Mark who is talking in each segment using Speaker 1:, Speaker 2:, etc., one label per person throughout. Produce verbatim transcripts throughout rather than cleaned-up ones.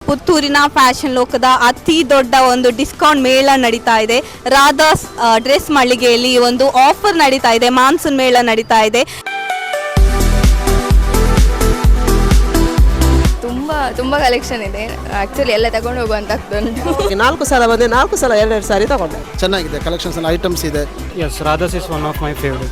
Speaker 1: ಪುತ್ತೂರಿನ ಫ್ಯಾಷನ್ ಲೋಕದ ಅತಿ ದೊಡ್ಡ ಒಂದು ಡಿಸ್ಕೌಂಟ್ ಮೇಳ ನಡೀತಾ ಇದೆ. ರಾಧಾಸ್ ಡ್ರೆಸ್ ಮಳಿಗೆಯಲ್ಲಿ ಒಂದು ಆಫರ್ ನಡೀತಾ ಇದೆ, ಮಾನ್ಸೂನ್ ಮೇಳ ನಡೀತಾ ಇದೆ.
Speaker 2: ತುಂಬ ತುಂಬ ಕಲೆಕ್ಷನ್ ಇದೆ. ಆ್ಯಕ್ಚುಲಿ ಎಲ್ಲ ತಗೊಂಡು ಹೋಗುವಂತ ಉಂಟು.
Speaker 3: ನಾಲ್ಕು ಸಲ ಬಂದೆ, ನಾಲ್ಕು ಸಲ ಎರಡೆರಡು ಸಾರಿ ತಗೊಂಡೆ.
Speaker 4: ಚೆನ್ನಾಗಿದೆ, ಕಲೆಕ್ಷನ್ಸ್ ಎಲ್ಲ ಐಟಮ್ಸ್ ಇದೆ.
Speaker 5: Yes, Radha's is one of my favourite.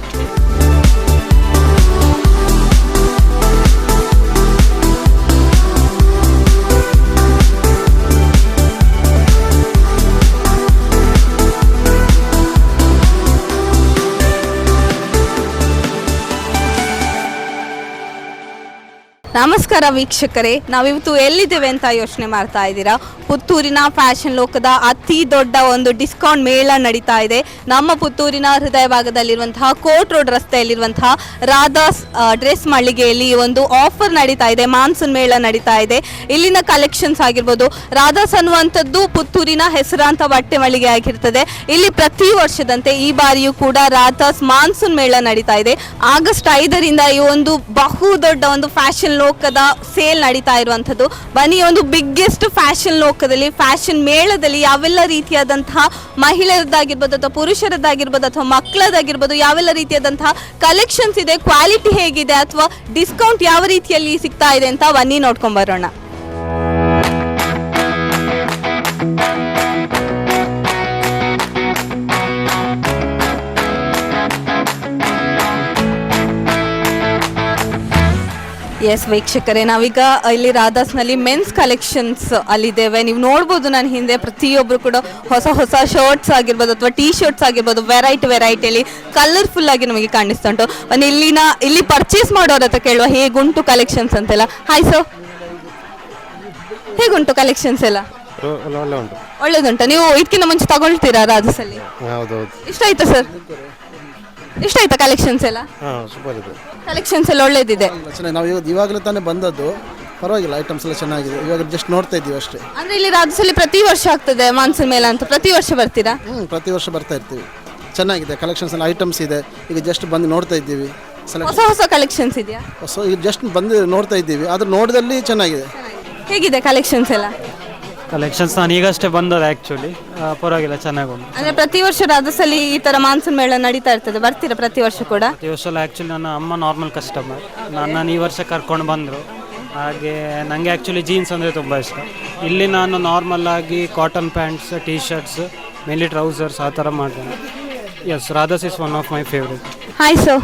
Speaker 1: ನಮಸ್ಕಾರ ವೀಕ್ಷಕರೇ, ನಾವಿವತ್ತು ಎಲ್ಲಿದ್ದೇವೆ ಅಂತ ಯೋಚನೆ ಮಾಡ್ತಾ ಇದ್ದೀರಾ? ಪುತ್ತೂರಿನ ಫ್ಯಾಷನ್ ಲೋಕದ ಅತಿ ದೊಡ್ಡ ಒಂದು ಡಿಸ್ಕೌಂಟ್ ಮೇಳ ನಡೀತಾ ಇದೆ. ನಮ್ಮ ಪುತ್ತೂರಿನ ಹೃದಯ ಭಾಗದಲ್ಲಿರುವಂತಹ ಕೋರ್ಟ್ ರೋಡ್ ರಸ್ತೆಯಲ್ಲಿರುವಂತಹ ರಾಧಾಸ್ ಡ್ರೆಸ್ ಮಳಿಗೆಯಲ್ಲಿ ಒಂದು ಆಫರ್ ನಡೀತಾ ಇದೆ, ಮಾನ್ಸೂನ್ ಮೇಳ ನಡೀತಾ ಇದೆ. ಇಲ್ಲಿನ ಕಲೆಕ್ಷನ್ಸ್ ಆಗಿರ್ಬೋದು, ರಾಧಾಸ್ ಅನ್ನುವಂಥದ್ದು ಪುತ್ತೂರಿನ ಹೆಸರಾಂತ ಬಟ್ಟೆ ಮಳಿಗೆ ಆಗಿರ್ತದೆ. ಇಲ್ಲಿ ಪ್ರತಿ ವರ್ಷದಂತೆ ಈ ಬಾರಿಯೂ ಕೂಡ ರಾಧಾಸ್ ಮಾನ್ಸೂನ್ ಮೇಳ ನಡೀತಾ ಇದೆ. ಆಗಸ್ಟ್ ಐದರಿಂದ ಈ ಒಂದು ಬಹು ದೊಡ್ಡ ಒಂದು ಫ್ಯಾಷನ್ ಲೋಕದ ಸೇಲ್ ನಡೀತಾ ಇರುವಂಥದ್ದು. ಬನ್ನಿ, ಒಂದು ಬಿಗ್ಗೆಸ್ಟ್ ಫ್ಯಾಷನ್ ಲೋಕದಲ್ಲಿ, ಫ್ಯಾಷನ್ ಮೇಳದಲ್ಲಿ ಯಾವೆಲ್ಲ ರೀತಿಯಾದಂತಹ ಮಹಿಳೆಯರದ್ದಾಗಿರ್ಬೋದು ಅಥವಾ ಪುರುಷರದ್ದಾಗಿರ್ಬೋದು ಅಥವಾ ಮಕ್ಕಳದಾಗಿರ್ಬೋದು ಯಾವೆಲ್ಲ ರೀತಿಯಾದಂತಹ ಕಲೆಕ್ಷನ್ಸ್ ಇದೆ, ಕ್ವಾಲಿಟಿ ಹೇಗಿದೆ ಅಥವಾ ಡಿಸ್ಕೌಂಟ್ ಯಾವ ರೀತಿಯಲ್ಲಿ ಸಿಗ್ತಾ ಇದೆ ಅಂತ ಬನ್ನಿ ನೋಡ್ಕೊಂಡ್ ಬರೋಣ. ಎಸ್ ವೀಕ್ಷಕರೇ, ನಾವೀಗ ಇಲ್ಲಿ ರಾಧಾಸ್ನಲ್ಲಿ ಮೆನ್ಸ್ ಕಲೆಕ್ಷನ್ಸ್ ಅಲ್ಲಿದ್ದೇವೆ. ನೀವು ನೋಡ್ಬೋದು ನನ್ನ ಹಿಂದೆ ಪ್ರತಿಯೊಬ್ಬರು ಕೂಡ ಹೊಸ ಹೊಸ ಶರ್ಟ್ಸ್ ಆಗಿರ್ಬೋದು ಅಥವಾ ಟೀ ಶರ್ಟ್ಸ್ ಆಗಿರ್ಬೋದು ವೆರೈಟಿ ವೆರೈಟಿಯಲ್ಲಿ ಕಲರ್ಫುಲ್ ಆಗಿ ನಮಗೆ ಕಾಣಿಸ್ತಾ ಉಂಟು. ಒಂದು ಇಲ್ಲಿನ ಇಲ್ಲಿ ಪರ್ಚೇಸ್ ಮಾಡೋರ ಹತ್ರ ಕೇಳುವ ಹೇಗುಂಟು ಕಲೆಕ್ಷನ್ಸ್ ಅಂತೆಲ್ಲ. ಹಾಯ್ ಸರ್, ಹೇಗುಂಟು ಕಲೆಕ್ಷನ್ಸ್ ಎಲ್ಲ? ಒಳ್ಳೇದುಂಟು. ನೀವು ಇದಕ್ಕಿಂತ ಮುಂಚೆ ತಗೊಳ್ತೀರಾ ರಾಧಾಸಲ್ಲಿ? ಇಷ್ಟ ಆಯ್ತಾ ಸರ್? ಇಷ್ಟ ಆಯ್ತಾ ಕಲೆಕ್ಷನ್ಸ್ ಎಲ್ಲ?
Speaker 4: ಸೂಪರ್ ಇದೆ,
Speaker 1: ಕಲೆಕ್ಷನ್ಸ್ ಎಲ್ಲ ಒಳ್ಳೇದಿದೆ.
Speaker 4: ನಾವು ಇವಾಗಲೇ ತಾನೇ ಬಂದದ್ದು, ಪರವಾಗಿಲ್ಲ, ಐಟಮ್ಸ್ ಎಲ್ಲ ಚೆನ್ನಾಗಿದೆ. ಇವಾಗ ಜಸ್ಟ್ ನೋಡ್ತಾ ಇದ್ದೀವಿ ಅಷ್ಟೇ.
Speaker 1: ಅಂದ್ರೆ ಇಲ್ಲಿ ರಾಜ್ಯದಲ್ಲಿ ಪ್ರತಿ ವರ್ಷ ಆಗ್ತದೆ ಮಾನ್ಸೂನ್ ಮೇಳ ಅಂತ, ಪ್ರತಿ ವರ್ಷ ಬರ್ತೀರಾ?
Speaker 4: ಹ್ಞೂ, ಪ್ರತಿ ವರ್ಷ ಬರ್ತಾ ಇರ್ತೀವಿ. ಚೆನ್ನಾಗಿದೆ, ಕಲೆಕ್ಷನ್ಸ್ ಎಲ್ಲ ಐಟಮ್ಸ್ ಇದೆ. ಈಗ ಜಸ್ಟ್ ಬಂದು ನೋಡ್ತಾ ಇದ್ದೀವಿ.
Speaker 1: ಹೊಸ ಹೊಸ ಕಲೆಕ್ಷನ್ಸ್ ಇದೆಯಾ?
Speaker 4: ಸೊ ಈಗ ಜಸ್ಟ್ ಬಂದು ನೋಡ್ತಾ ಇದ್ದೀವಿ, ಅದ್ರ ನೋಡಿದಲ್ಲಿ ಚೆನ್ನಾಗಿದೆ.
Speaker 1: ಹೇಗಿದೆ ಕಲೆಕ್ಷನ್ಸ್ ಎಲ್ಲ?
Speaker 5: ಕಲೆಕ್ಷನ್ಸ್ ನಾನು ಈಗಷ್ಟೇ ಬಂದದ್ದು ಆ್ಯಕ್ಚುಲಿ, ಪರವಾಗಿಲ್ಲ, ಚೆನ್ನಾಗಿ ಉಂಟು.
Speaker 1: ಅಂದ್ರೆ ಪ್ರತಿ ವರ್ಷ ರಾಧಾಸಲ್ಲಿ ಈ ತರ ಮಾನ್ಸೂನ್ ಮೇಳ ನಡೀತಾ ಇರ್ತದೆ, ಬರ್ತೀರಾ ಪ್ರತಿ ವರ್ಷ ಕೂಡ?
Speaker 5: ಪ್ರತಿ ವರ್ಷ ಅಲ್ಲ, ಆ್ಯಕ್ಚುಲಿ ನನ್ನ ಅಮ್ಮ ನಾರ್ಮಲ್ ಕಸ್ಟಮರ್, ನನ್ನನ್ನು ಈ ವರ್ಷ ಕರ್ಕೊಂಡು ಬಂದರು. ಹಾಗೆ ನನಗೆ ಆ್ಯಕ್ಚುಲಿ ಜೀನ್ಸ್ ಅಂದರೆ ತುಂಬ ಇಷ್ಟ. ಇಲ್ಲಿ ನಾನು ನಾರ್ಮಲ್ ಆಗಿ cotton pants, T shirts, mainly trousers ಆ ಥರ ಮಾಡ್ತೇನೆ. Yes, Radha's is one of my favourite.
Speaker 1: Hi sir,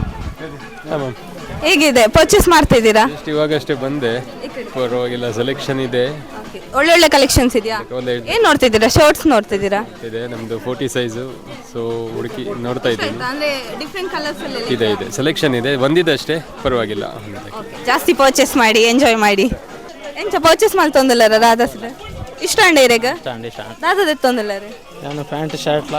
Speaker 1: ಹೇಗಿದೆ? ಪರ್ಚೇಸ್ ಮಾಡ್ತಾ ಇದ್ದೀರಾ?
Speaker 6: ಇವಾಗಷ್ಟೇ ಬಂದೆ, ಪರವಾಗಿಲ್ಲ, ಸೆಲೆಕ್ಷನ್ ಇದೆ,
Speaker 1: ಒಳ್ಳೊಳ್ಳೆ ಕಲೆಕ್ಷನ್ಸ್ ಇದೆಯಾ? ಏನ್ ನೋಡ್ತಿದ್ದೀರಾ? ಶರ್ಟ್ಸ್ ನೋಡ್ತಿದ್ದೀರಾ?
Speaker 6: ಇದೆ ನಮ್ದು ಫೋರ್ಟಿ ಸೈಜು, ಸೊ ಹುಡುಕಿ ನೋಡ್ತಾ ಇದ್ದೀನಿ.
Speaker 1: ಅಂದ್ರೆ ಡಿಫರೆಂಟ್ ಕಲರ್ಸ್
Speaker 6: ಇದೆ ಇದೆ ಸೆಲೆಕ್ಷನ್ ಇದೆ, ಬಂದಿದೆ ಅಷ್ಟೇ, ಪರವಾಗಿಲ್ಲ.
Speaker 1: ಜಾಸ್ತಿ ಪರ್ಚೇಸ್ ಮಾಡಿ, ಎಂಜಾಯ್ ಮಾಡಿ. ಎಂಚ ಪರ್ಚೇಸ್ ಮಾಡಿ ತೊಂದಿಲ್ಲ ರಾಧಾಸ್ ಇಷ್ಟ ಅಂಡೆ ಇರೇಗ ದಾದದ ತೊಂದಿಲ್ಲ ರೀ.
Speaker 3: ನಾನು ಪ್ಯಾಂಟ್ ಶರ್ಟ್ಲ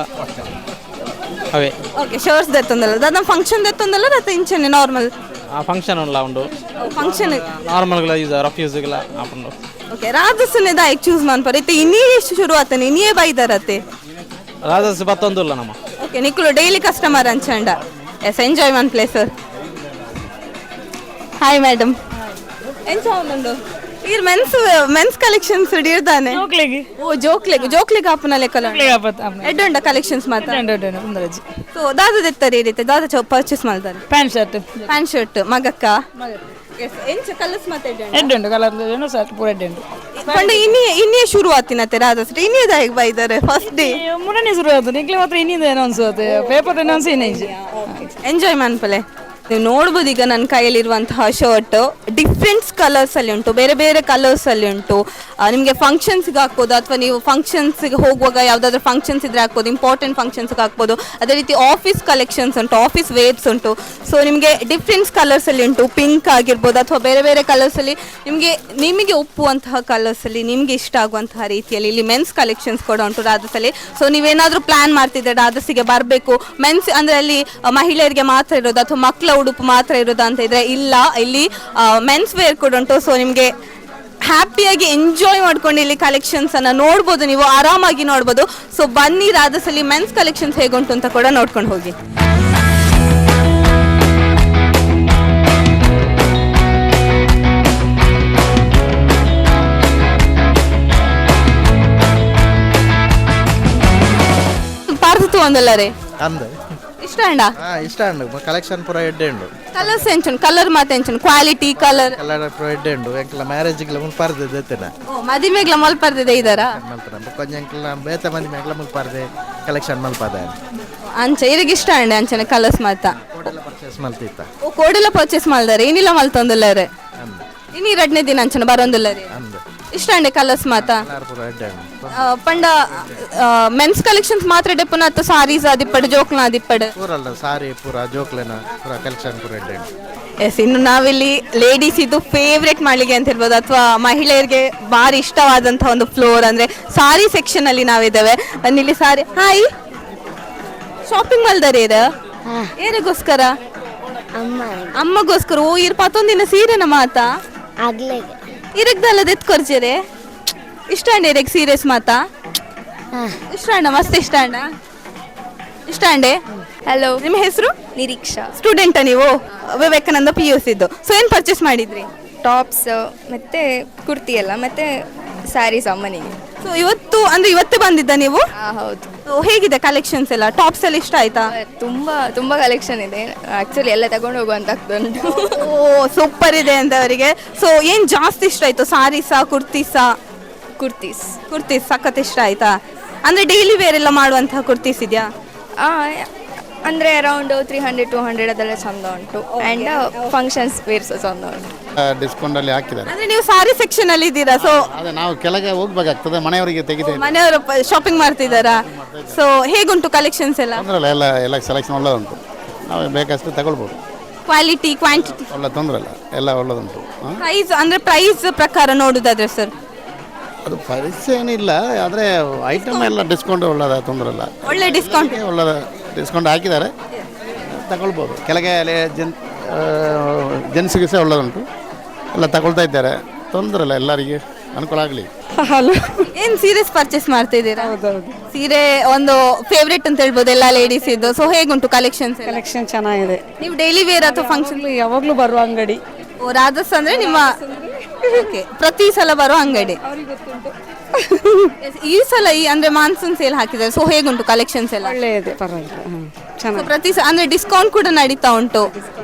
Speaker 3: ಅವೇ
Speaker 1: ಓಕೆ, ಶರ್ಟ್ಸ್ ದೆತ್ತೊಂದಲ್ಲ ದಾದ ಫಂಕ್ಷನ್ ದೆತ್ತೊಂದಲ್ಲ ದಾತ ಇಂಚನೆ ನಾರ್ಮಲ್
Speaker 3: ಆ ಫಂಕ್ಷನ್ ಉಂಡ ಉಂಡು
Speaker 1: ಫಂಕ್ಷನ್
Speaker 3: ನಾರ್ಮಲ್ ಯೂಸ್ ರಫ್ ಯೂಸ್ಗೆಲ್ಲ ಆಪುಂಡು.
Speaker 1: ಓಕೆ, ರಾಧಾಸನೆ ದಾಯಕ್ ಚೂಸ್ ಮಾಡ್ಪಾರ ಇತ್ತೆ ಇನ್ನೇ ಎಷ್ಟು ಶುರು ಆತನೆ ಇನ್ನೇ ಬೈದಾರತ್ತೆ
Speaker 3: ರಾಧಾಸ್ ಬತ್ತೊಂದುಲ್ಲ ನಮ್ಮ.
Speaker 1: ಓಕೆ, ನಿಕ್ಲು ಡೈಲಿ ಕಸ್ಟಮರ್ ಅಂಚಂಡ. Yes, enjoy man place. Hi madam, ಎಂಚ ಉಂಡು ಈಗ ಮೆನ್ಸ್ ಮೆನ್ಸ್ ಕಲೆಕ್ಷನ್ಸ್ ಹಿಡಿದಾನೆ
Speaker 7: ಜೋಕ್ಲೆಗೆ
Speaker 1: ಓ ಜೋಕ್ಲೆಗೆ ಜೋಕ್ಲೆಗೆ ಆಪನ ಲೆಕ್ಕಲ ಎಡ್ಡೊಂಡ ಕಲೆಕ್ಷನ್ಸ್ ಮಾತ್ರ ಸೊ ದಾದ ದೆತ್ತಾರೆ ಈ ರೀತಿ ದಾದ ಪರ್ಚೇಸ್ ಮಾಡ್ತಾರೆ.
Speaker 7: ಪ್ಯಾಂಟ್ ಶರ್ಟ್
Speaker 1: ಪ್ಯಾಂಟ್ ಶರ್ಟ್ ಮಗಕ್ಕ ಎಂಚ ಕಲರ್ಸ್ ಮತ್ತೆ
Speaker 7: ಎಡ್ಡುಂಡು ಕಲರ್ ಶರ್ಟ್ ಪೂರ ಎಡ್ಡುಂಡು
Speaker 1: ಪಂಡ ಇನ್ನೇ ಇನ್ನೇ ಶುರು ಆತಿನತ್ತೆ ರಾಧಸ್ರಿ ಇನ್ನೇ ದಾಯಿಗ್ ಬೈದಾರೆ ಫಸ್ಟ್ ಡೇ
Speaker 7: ಮೂರನೇ ಶುರು ಆಯ್ತು ನಿಕ್ಲಿ ಮಾತ್ರ ಇನ್ನಿಂದ ಅನೌನ್ಸ್ ಆಗುತ್ತೆ ಪೇಪರ್ ಅನೌನ್ಸ್ ಏನೇಜ್
Speaker 1: ಎಂಜಾಯ್ ಮಾಡ್ಪಲೆ. ನೀವು ನೋಡ್ಬೋದು ಈಗ ನನ್ನ ಕೈಯಲ್ಲಿರುವಂತಹ ಶರ್ಟ್ ಡಿಫ್ರೆಂಟ್ಸ್ ಕಲರ್ಸಲ್ಲಿ ಉಂಟು, ಬೇರೆ ಬೇರೆ ಕಲರ್ಸಲ್ಲಿ ಉಂಟು. ನಿಮಗೆ ಫಂಕ್ಷನ್ಸ್ಗೆ ಹಾಕ್ಬೋದು ಅಥವಾ ನೀವು ಫಂಕ್ಷನ್ಸ್ಗೆ ಹೋಗುವಾಗ ಯಾವುದಾದ್ರೂ ಫಂಕ್ಷನ್ಸ್ ಇದ್ರೆ ಹಾಕ್ಬೋದು, ಇಂಪಾರ್ಟೆಂಟ್ ಫಂಕ್ಷನ್ಸ್ಗೆ ಹಾಕ್ಬೋದು. ಅದೇ ರೀತಿ ಆಫೀಸ್ ಕಲೆಕ್ಷನ್ಸ್ ಉಂಟು, ಆಫೀಸ್ ವೇರ್ಸ್ ಉಂಟು. ಸೊ ನಿಮಗೆ ಡಿಫ್ರೆಂಟ್ಸ್ ಕಲರ್ಸಲ್ಲಿ ಉಂಟು, ಪಿಂಕ್ ಆಗಿರ್ಬೋದು ಅಥವಾ ಬೇರೆ ಬೇರೆ ಕಲರ್ಸಲ್ಲಿ ನಿಮಗೆ ನಿಮಗೆ ಒಪ್ಪುವಂತಹ ಕಲರ್ಸಲ್ಲಿ ನಿಮಗೆ ಇಷ್ಟ ಆಗುವಂತಹ ರೀತಿಯಲ್ಲಿ ಇಲ್ಲಿ ಮೆನ್ಸ್ ಕಲೆಕ್ಷನ್ಸ್ ಕೂಡ ಉಂಟು ರಾಧಸಲ್ಲಿ. ಸೊ ನೀವೇನಾದರೂ ಪ್ಲ್ಯಾನ್ ಮಾಡ್ತಿದ್ರೆ ರಾಧಸಿಗೆ ಬರಬೇಕು, ಮೆನ್ಸ್ ಅಂದರೆ ಅಲ್ಲಿ ಮಹಿಳೆಯರಿಗೆ ಮಾತ್ರ ಇರೋದು ಅಥವಾ ಮಕ್ಕಳ ಉಡುಪು ಮಾತ್ರ ಇರೋದು ಅಂತ ಇದ್ರೆ ಇಲ್ಲ, ಇಲ್ಲಿ ಮೆನ್ಸ್ ವೇರ್ ಕೂಡ ಉಂಟು. ಸೊ ನಿಮಗೆ ಹ್ಯಾಪಿಯಾಗಿ ಎಂಜಾಯ್ ಮಾಡ್ಕೊಂಡು ಇಲ್ಲಿ ಕಲೆಕ್ಷನ್ಸ್ ಅನ್ನ ನೋಡ್ಬೋದು, ನೀವು ಆರಾಮಾಗಿ ನೋಡ್ಬೋದು. ಸೊ ಬನ್ನಿ ರಾಧಸಲ್ಲಿ ಮೆನ್ಸ್ ಕಲೆಕ್ಷನ್ಸ್ ಹೇಗುಂಟು ಅಂತ ಕೂಡ ನೋಡ್ಕೊಂಡು ಹೋಗಿ. ಒಂದಲ್ಲರೆ
Speaker 8: ಅಂದು
Speaker 1: ಇಷ್ಟ ಅಂಡ
Speaker 8: ಹಾ ಇಷ್ಟ ಅಂಡು ಕಲೆಕ್ಷನ್ ಪೂರ ಎಡ್ಡೆ ಉಂಡು
Speaker 1: ಕಲರ್ಸ್ ಎಂಚನ್ ಕಲರ್ ಮಾತ ಎಂಚನ್ ಕ್ವಾಲಿಟಿ ಕಲರ್
Speaker 8: ಕಲರ್ ಪೂರ ಎಡ್ಡೆ ಉಂಡು ಎಂಕಲ ಮ್ಯಾರೇಜ್ಗೆಲ್ಲ ಮುಲ್ಪಾರ್ದೆ ದೆತ್ತೇನ
Speaker 1: ಮದಿಮೆಗ್ಲ ಮಲ್ಪರ್ದಿದೆ ಇದಾರ
Speaker 8: ಮಲ್ಪನ ಕೊಂಚ ಎಂಕಲ ಬೇತ ಮಂದಿ ಮೇಗ್ಲ ಮುಲ್ಪಾರ್ದೆ ಕಲೆಕ್ಷನ್ ಮಲ್ಪಾದ
Speaker 1: ಅಂಚ ಇರಿಗೆ ಇಷ್ಟ ಅಂಡೆ ಅಂಚನೆ ಕಲರ್ಸ್ ಮಾತ
Speaker 8: ಕೋಡೆಲ್ಲ ಪರ್ಚೇಸ್ ಮಲ್ತಿತ್ತ
Speaker 1: ಓ ಕೋಡೆಲ್ಲ ಪರ್ಚೇಸ್ ಮಾಡ್ದಾರೆ ಏನಿಲ್ಲ ಮಲ್ತೊಂದಿಲ್ಲರೆ
Speaker 8: ಅಂದು
Speaker 1: ಇನ್ನು ಎರಡನೇ ದಿನ ಅಂಚನೆ ಬರೋಂದಿಲ್ಲರೆ
Speaker 8: ಅಂದು
Speaker 1: ಇಷ್ಟ ಅಂಡೆ ಕಲರ್ಸ್ ಮಾತ
Speaker 8: ಕಲರ್ ಪೂರ ಎಡ್ಡೆ ಉಂಡು
Speaker 1: ಆ, ಪಂಡ ಮೆನ್ಸ್ ಕಲೆಕ್ಷನ್ಸ್ ಮಾತ್ರ ಡೆಪ್ಪನ ಅತ್ತ ಸಾರೀಸ್ ಆದಿಪ್ಪಡು ಜೋಕ್ಲ ಆದಿಪ್ಪಡು
Speaker 8: ಪೂರಲ್ಲ ಸಾರಿ ಪೂರ ಜೋಕ್ಲೆನ ಪೂರ ಕಲೆಕ್ಷನ್ ಪೂರ ಎಡ್ಡೆ ಉಂಡು
Speaker 1: ಎಸ್ ಇನ್ನು ನಾವಿಲ್ಲಿ ಲೇಡೀಸ್ ಇದು ಫೇವ್ರೆಟ್ ಮಳಿಗೆ ಅಂತ ಹೇಳ್ಬೋದು ಅಥವಾ ಮಹಿಳೆಯರಿಗೆ ಭಾರಿ ಇಷ್ಟವಾದಂತಹ ಒಂದು ಫ್ಲೋರ್ ಅಂದ್ರೆ ಸಾರಿ ಸೆಕ್ಷನ್ ಅಲ್ಲಿ ನಾವಿದ್ದೇವೆ ಇಲ್ಲಿ ಸಾರಿ ಹಾಯ್ ಶಾಪಿಂಗ್ ಮಲ್ದಾರೆ ಇರ ಏರಿಗೋಸ್ಕರ ಅಮ್ಮಗೋಸ್ಕರ ಓ ಇರ್ ಪತ್ತೊಂದಿನ ಸೀರೆನ ಮಾತ ಇರಗ್ದಲ್ಲ ಎತ್ಕೊರ್ಜೆರೆ ಇಷ್ಟ ಅಂಡೆ ಇರಗ್ ಸೀರಿಯಸ್ ಮಾತ ಇಷ್ಟ ಅಂಡ ಮಸ್ತ್ ಇಷ್ಟ ಅಂಡ ಇಷ್ಟ ಅಂಡೆ
Speaker 2: ಹಲೋ,
Speaker 1: ನಿಮ್ಮ ಹೆಸರು
Speaker 2: ನಿರೀಕ್ಷಾ.
Speaker 1: ಸ್ಟೂಡೆಂಟ ನೀವು ವಿವೇಕಾನಂದ ಪಿ ಯು ಸಿದ್ದು ಸೊ ಏನು ಪರ್ಚೇಸ್ ಮಾಡಿದ್ರಿ
Speaker 2: ಟಾಪ್ಸ್ ಮತ್ತೆ ಕುರ್ತಿ ಎಲ್ಲ ಮತ್ತೆ ಸ್ಯಾರೀಸ್ ಅಮ್ಮನಿಗೆ.
Speaker 1: ಸೊ ಇವತ್ತು ಅಂದ್ರೆ ಇವತ್ತೇ ಬಂದಿದ್ದ ನೀವು
Speaker 2: ಆ, ಹೌದು.
Speaker 1: So, ಹೇಗಿದೆ ಕಲೆಕ್ಷನ್ಸ್ ಎಲ್ಲ ಟಾಪ್ಸ್ ಎಲ್ಲ ಇಷ್ಟ ಆಯ್ತಾ
Speaker 2: ತುಂಬಾ ತುಂಬಾ ಕಲೆಕ್ಷನ್ ಇದೆ ಆಕ್ಚುಲಿ ಎಲ್ಲ ತಗೊಂಡು ಹೋಗುವಂತ ಆಗ್ತುಂಟು.
Speaker 1: ಓ ಸೂಪರ್ ಇದೆ ಅಂತ ಅವರಿಗೆ ಸೊ ಏನ್ ಜಾಸ್ತಿ ಇಷ್ಟ ಆಯ್ತು ಸಾರೀಸಾ ಕುರ್ತೀಸಾ
Speaker 2: ಕುರ್ತೀಸ್
Speaker 1: ಕುರ್ತೀಸ್ ಸಖತ್ ಇಷ್ಟ ಆಯ್ತಾ ಅಂದ್ರೆ ಡೈಲಿ ವೇರ್ ಎಲ್ಲ ಮಾಡುವಂತಹ ಕುರ್ತೀಸ್ ಇದೆಯಾ
Speaker 2: ಆ, ಅಂದ್ರೆ around three hundred two hundred ಅದೆಲ್ಲ ಚಂದ ಉಂಟು ಆ್ಯಂಡ್ ಫಂಕ್ಷನ್ಸ್ ವೇರ್ಸ್ ಚಂದ ಉಂಟು.
Speaker 9: ಡಿಸ್ಕೌಂಟ್ ಅಲ್ಲಿ ಹಾಕಿದ್ದಾರೆ.
Speaker 1: ಅಂದ್ರೆ ನೀವು ಸಾರಿ ಸೆಕ್ಷನ್ ಅಲ್ಲಿ ಇದ್ದೀರಾ ಸೊ
Speaker 9: ಅದೇ ನಾವು ಕೆಳಗೆ ಹೋಗ್ಬೇಕಾಗ್ತದೆ, ಮನೆಯವರಿಗೆ ತೆಗಿತೇವೆ.
Speaker 1: ಮನೆಯವರು ಶಾಪಿಂಗ್ ಮಾಡ್ತಿದ್ದಾರಾ ಸೊ ಹೇಗುಂಟು ಕಲೆಕ್ಷನ್ಸ್ ಎಲ್ಲ
Speaker 9: ತೊಂದರೆ ಇಲ್ಲ, ಎಲ್ಲ ಎಲ್ಲ ಸೆಲೆಕ್ಷನ್ ಒಳ್ಳೆ ಉಂಟು, ನಾವು ಬೇಕಷ್ಟು ತಗೊಳ್ಬೋದು.
Speaker 1: ಕ್ವಾಲಿಟಿ ಕ್ವಾಂಟಿಟಿ
Speaker 9: ಒಳ್ಳೆ ತೊಂದರೆ ಇಲ್ಲ, ಎಲ್ಲ ಒಳ್ಳೆದುಂಟು.
Speaker 1: ಪ್ರೈಸ್ ಅಂದ್ರೆ ಪ್ರೈಸ್ ಪ್ರಕಾರ ನೋಡುದಾದ್ರೆ ಸರ್
Speaker 9: ಅದು ಪರಿಚಯ ಏನಿಲ್ಲ, ಆದರೆ ಐಟಮ್ ಎಲ್ಲ ಡಿಸ್ಕೌಂಟ್ ಒಳ್ಳೆದ, ತೊಂದರೆ ಇಲ್ಲ,
Speaker 1: ಒಳ್ಳೆ ಡಿಸ್ಕೌಂಟ್
Speaker 9: ಒಳ್ಳೆದ ಡಿಸ್ಕೌಂಟ್ ಹಾಕಿದ್ದಾರೆ, ತಗೊಳ್ಬೋದು. ಕೆಳಗೆ ಅಲ್ಲಿ ಜನ್ ಜೆನ್ಸಿಗೆ ಸಹ ಒಳ್ಳೆದುಂಟು, ಎಲ್ಲ ತಗೊಳ್ತಾ ಇದ್ದಾರೆ, ತೊಂದರೆ ಇಲ್ಲ, ಎಲ್ಲರಿಗೆ ಅನುಕೂಲ ಆಗಲಿ.
Speaker 7: ಹಲೋ
Speaker 1: ಏನ್ ಸೀರೆಸ್ ಪರ್ಚೇಸ್ ಮಾಡ್ತಾ ಇದ್ದೀರಾ ಸೀರೆ ಒಂದು ಫೇವ್ರೇಟ್ ಅಂತ ಹೇಳ್ಬೋದು ಎಲ್ಲ ಲೇಡೀಸ್ ಇದ್ದು ಸೊ ಹೇಗುಂಟು ಕಲೆಕ್ಷನ್ಸ್
Speaker 7: ಕಲೆಕ್ಷನ್ ಚೆನ್ನಾಗಿದೆ.
Speaker 1: ನೀವು ಡೈಲಿ ವೇರ್ ಅಥವಾ ಫಂಕ್ಷನ್
Speaker 7: ಯಾವಾಗಲೂ ಬರುವ ಅಂಗಡಿ.
Speaker 1: ಓ ರಾಧಸ್ ಅಂದ್ರೆ ನಿಮ್ಮ Okay, ಪ್ರತಿ ಸಲ ಬರೋ ಅಂಗಡಿ Yes, ಈ ಸಲ ಈ ಅಂದ್ರೆ ಮಾನ್ಸೂನ್ ಸೇಲ್ ಹಾಕಿದ್ದಾರೆ ಸೊ ಹೇಗುಂಟು ಕಲೆಕ್ಷನ್ಸ್ ಎಲ್ಲ
Speaker 7: ಒಳ್ಳೆ ಇದೆ, ಪರವಾಗಿಲ್ಲ. ಹ್ಮ್,
Speaker 1: So,
Speaker 7: ಚೆನ್ನಾಗಿ
Speaker 1: ಪ್ರತಿ ಸ- ಅಂದ್ರೆ ಡಿಸ್ಕೌಂಟ್ ಕೂಡ ನಡೀತಾ ಉಂಟು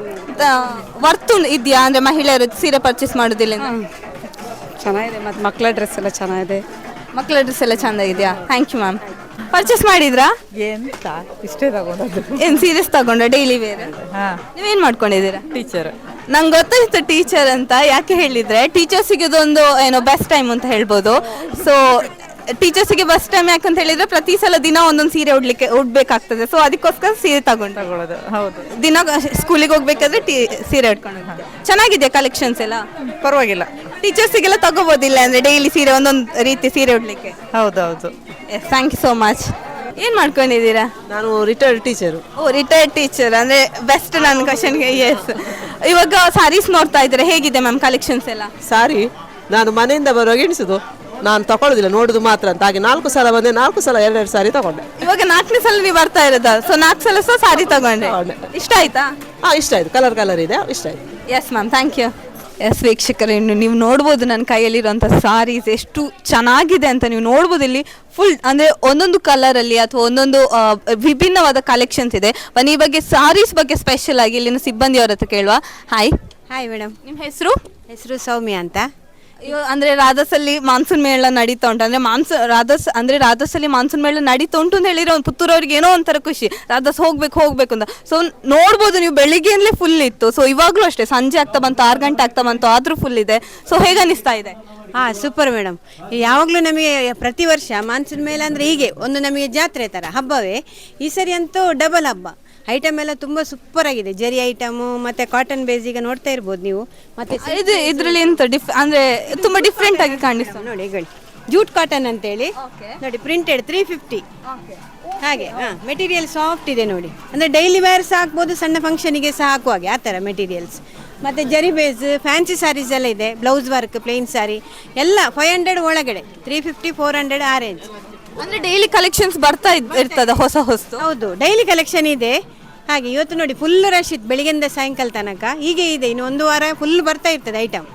Speaker 1: ವರ್ತು ಇದೆಯಾ ಅಂದ್ರೆ ಮಹಿಳೆಯರು ಸೀರೆ ಪರ್ಚೇಸ್ ಮಾಡೋದಿಲ್ಲ
Speaker 7: ಚೆನ್ನಾಗಿದೆ. ಮತ್ತು ಮಕ್ಕಳ ಡ್ರೆಸ್ ಎಲ್ಲ ಚೆನ್ನಾಗಿದೆ.
Speaker 1: ಮಕ್ಕಳ ಡ್ರೆಸ್ ಎಲ್ಲ ಚಂದ ಇದೆಯಾ ಥ್ಯಾಂಕ್ ಯು ಮ್ಯಾಮ್ ಪರ್ಚೇಸ್ ಮಾಡಿದ್ರಾ
Speaker 7: ಎಂತ ಇಷ್ಟೇ ತಗೊಂಡದ್ದು.
Speaker 1: ಏನ್ ಸೀರಿಯಸ್ ತಗೊಂಡ ಡೈಲಿ ವೇರ್ ನೀವೇನ್ ಮಾಡ್ಕೊಂಡಿದ್ದೀರಾ
Speaker 7: ಟೀಚರ್.
Speaker 1: ನಂಗೆ ಗೊತ್ತಾಯ್ತು ಟೀಚರ್ ಅಂತ ಯಾಕೆ ಹೇಳಿದ್ರೆ ಟೀಚರ್ಸಿಗೆ ಇದೊಂದು ಏನೋ ಬೆಸ್ಟ್ ಟೈಮ್ ಅಂತ ಹೇಳ್ಬೋದು ಸೊ ಟೀಚರ್ಸಿಗೆ ಬೆಸ್ಟ್ ಟೈಮ್ ಯಾಕಂತ ಹೇಳಿದ್ರೆ ಪ್ರತಿ ಸಲ ದಿನ ಒಂದೊಂದು ಸೀರೆ ಉಡ್ಲಿಕ್ಕೆ ಉಡ್ಬೇಕಾಗ್ತದೆ ಸೊ ಅದಕ್ಕೋಸ್ಕರ ಸೀರೆ ತಗೊಂಡು
Speaker 7: ತಗೊಳ್ಳೋದು. ಹೌದು,
Speaker 1: ದಿನ ಸ್ಕೂಲಿಗೆ ಹೋಗ್ಬೇಕಾದ್ರೆ ಟೀ ಸೀರೆ ಉಟ್ಕೊಂಡು ಚೆನ್ನಾಗಿದೆ ಕಲೆಕ್ಷನ್ಸ್ ಎಲ್ಲ
Speaker 7: ಪರವಾಗಿಲ್ಲ.
Speaker 1: ಟೀಚರ್ಸಿಗೆಲ್ಲ ತಗೋಬೋದಿಲ್ಲ ಅಂದ್ರೆ ಡೈಲಿ ಸೀರೆ ಒಂದೊಂದು ರೀತಿ ಸೀರೆ ಉಡ್ಲಿಕ್ಕೆ
Speaker 7: ಹೌದೌದು.
Speaker 1: Yes thank you so much ಏನು ಮಾಡ್ಕೊಂಡಿದ್ದೀರಾ
Speaker 7: ನಾನು ರಿಟೈರ್ಡ್ ಟೀಚರು.
Speaker 1: ಓ ರಿಟೈರ್ಡ್ ಟೀಚರ್ ಅಂದ್ರೆ ಬೆಸ್ಟ್ ನನ್ನ ಕ್ವಶನ್ಗೆ ಎಸ್ ಇವಾಗ ಸಾರೀಸ್ ನೋಡ್ತಾ ಇದ್ದಾರೆ ಹೇಗಿದೆ ಮ್ಯಾಮ್ ಕಲೆಕ್ಷನ್ಸ್ ಎಲ್ಲ
Speaker 7: ಸಾರಿ ನಾನು ಮನೆಯಿಂದ ಬರುವಾಗ ಎಣಿಸುದು, ನಾನು ತಗೊಳ್ಳೋದಿಲ್ಲ, ನೋಡುದು ಮಾತ್ರ ಅಂತ. ಹಾಗೆ ನಾಲ್ಕು ಸಲ ಬಂದೆ, ನಾಲ್ಕು ಸಲ ಎರಡೆರಡು ಸಾರಿ ತಗೊಂಡೆ.
Speaker 1: ಇವಾಗ ನಾಲ್ಕನೇ ಸಲ ನೀವು ಬರ್ತಾ ಇರೋದ ಸೊ ನಾಲ್ಕು ಸಲ ಸಹ ಸಾರಿ ತಗೊಂಡೆ ಇಷ್ಟ ಆಯ್ತಾ
Speaker 7: ಹಾಂ, ಇಷ್ಟ ಆಯ್ತು, ಕಲರ್ ಕಲರ್ ಇದೆ, ಇಷ್ಟ ಆಯ್ತು.
Speaker 1: Yes ma'am thank you yes ವೀಕ್ಷಕರೇ ಇನ್ನು ನೀವು ನೋಡ್ಬೋದು ನನ್ನ ಕೈಯಲ್ಲಿರುವಂಥ ಸಾರೀಸ್ ಎಷ್ಟು ಚೆನ್ನಾಗಿದೆ ಅಂತ ನೀವು ನೋಡ್ಬೋದು ಇಲ್ಲಿ ಫುಲ್ ಅಂದರೆ ಒಂದೊಂದು ಕಲರಲ್ಲಿ ಅಥವಾ ಒಂದೊಂದು ಆ, ವಿಭಿನ್ನವಾದ ಕಲೆಕ್ಷನ್ಸ್ ಇದೆ ಬನ್ನಿ ಈ ಬಗ್ಗೆ ಸಾರೀಸ್ ಬಗ್ಗೆ ಸ್ಪೆಷಲ್ ಆಗಿ ಇಲ್ಲಿನ ಸಿಬ್ಬಂದಿಯವ್ರ ಹತ್ರ ಕೇಳುವ ಹಾಯ್
Speaker 10: ಹಾಯ್ ಮೇಡಮ್,
Speaker 1: ನಿಮ್ಮ ಹೆಸರು
Speaker 10: ಹೆಸರು ಸೌಮ್ಯ ಅಂತ.
Speaker 1: ಇವ- ಅಂದ್ರೆ ರಾಧಸಲ್ಲಿ ಮಾನ್ಸೂನ್ ಮೇಳ ನಡೀತಾ ಉಂಟು ಅಂದ್ರೆ ಮಾನ್ಸೂನ್ ರಾಧಸ್ ಅಂದ್ರೆ ರಾಧಸಲ್ಲಿ ಮಾನ್ಸೂನ್ ಮೇಳ ನಡೀತಾ ಉಂಟು ಅಂತ ಹೇಳಿರೋ ಒಂದು ಪುತ್ತೂರವ್ರಿಗೆ ಏನೋ ಒಂಥರ ಖುಷಿ ರಾಧಸ್ ಹೋಗ್ಬೇಕು ಹೋಗ್ಬೇಕು ಅಂತ ಸೊ ನೋಡ್ಬೋದು ನೀವು ಬೆಳಿಗ್ಗೆಯಿಂದಲೇ ಫುಲ್ ಇತ್ತು ಸೊ ಇವಾಗಲೂ ಅಷ್ಟೇ ಸಂಜೆ ಆಗ್ತಾ ಬಂತು ಆರು ಗಂಟೆ ಆಗ್ತಾ ಬಂತು ಆದ್ರೂ ಫುಲ್ ಇದೆ ಸೊ ಹೇಗೆ ಅನಿಸ್ತಾ ಇದೆ
Speaker 10: ಹಾಂ, ಸೂಪರ್ ಮೇಡಮ್. ಯಾವಾಗಲೂ ನಮಗೆ ಪ್ರತಿ ವರ್ಷ ಮಾನ್ಸೂನ್ ಮೇಲೆ ಅಂದರೆ ಹೀಗೆ ಒಂದು ನಮಗೆ ಜಾತ್ರೆ ಥರ ಹಬ್ಬವೇ. ಈ ಸರಿ ಅಂತೂ ಡಬಲ್ ಹಬ್ಬ. ಐಟಮ್ ಎಲ್ಲ ತುಂಬ ಸೂಪರ್ ಆಗಿದೆ, ಜರಿ ಐಟಮು ಮತ್ತು ಕಾಟನ್ ಬೇಸ್ ಈಗ ನೋಡ್ತಾ ಇರ್ಬೋದು ನೀವು. ಮತ್ತು
Speaker 1: ಇದು ಇದರಲ್ಲಿ ಎಂತ ಡಿಫ್ ಅಂದ್ರೆ ತುಂಬಾ ಡಿಫ್ರೆಂಟ್ ಆಗಿ ಕಾಣಿಸ್ತದೆ
Speaker 10: ನೋಡಿ ಈಗ ಜೂಟ್ ಕಾಟನ್ ಅಂತೇಳಿ ನೋಡಿ, ಪ್ರಿಂಟೆಡ್ ತ್ರೀ ಫಿಫ್ಟಿ ಹಾಗೆ. ಹಾಂ, ಮೆಟೀರಿಯಲ್ ಸಾಫ್ಟ್ ಇದೆ ನೋಡಿ, ಅಂದರೆ ಡೈಲಿ ವೇರ್ ಸಹ ಹಾಕ್ಬೋದು, ಸಣ್ಣ ಫಂಕ್ಷನಿಗೆ ಸಹ ಹಾಕುವಾಗೆ ಆ ಥರ ಮೆಟೀರಿಯಲ್ಸ್. ಮತ್ತು ಜರಿ ಬೇಸ್ ಫ್ಯಾನ್ಸಿ ಸ್ಯಾರೀಸ್ ಎಲ್ಲ ಇದೆ, ಬ್ಲೌಸ್ ವರ್ಕ್ ಪ್ಲೇನ್ ಸ್ಯಾರಿ ಎಲ್ಲ ಫೈವ್ ಹಂಡ್ರೆಡ್ ಒಳಗಡೆ, ತ್ರೀ ಫಿಫ್ಟಿ ಫೋರ್ ಹಂಡ್ರೆಡ್ ಆ ರೇಂಜ್.
Speaker 1: ಅಂದ್ರೆ ಡೈಲಿ ಕಲೆಕ್ಷನ್ಸ್ ಬರ್ತಾ ಇದ್- ಇರ್ತದ ಹೊಸ ಹೊಸ
Speaker 10: ಹೌದು, ಡೈಲಿ ಕಲೆಕ್ಷನ್ ಇದೆ. ಹಾಗೆ ಇವತ್ತು ನೋಡಿ ಫುಲ್ ರಶ್ ಇತ್ತು ಬೆಳಿಗ್ಗೆಯಿಂದ ಸಾಯಂಕಾಲ ತನಕ, ಹೀಗೆ ಇದೆ, ಇನ್ನು ಒಂದು ವಾರ ಫುಲ್ ಬರ್ತಾ ಇರ್ತದೆ ಐಟಮ್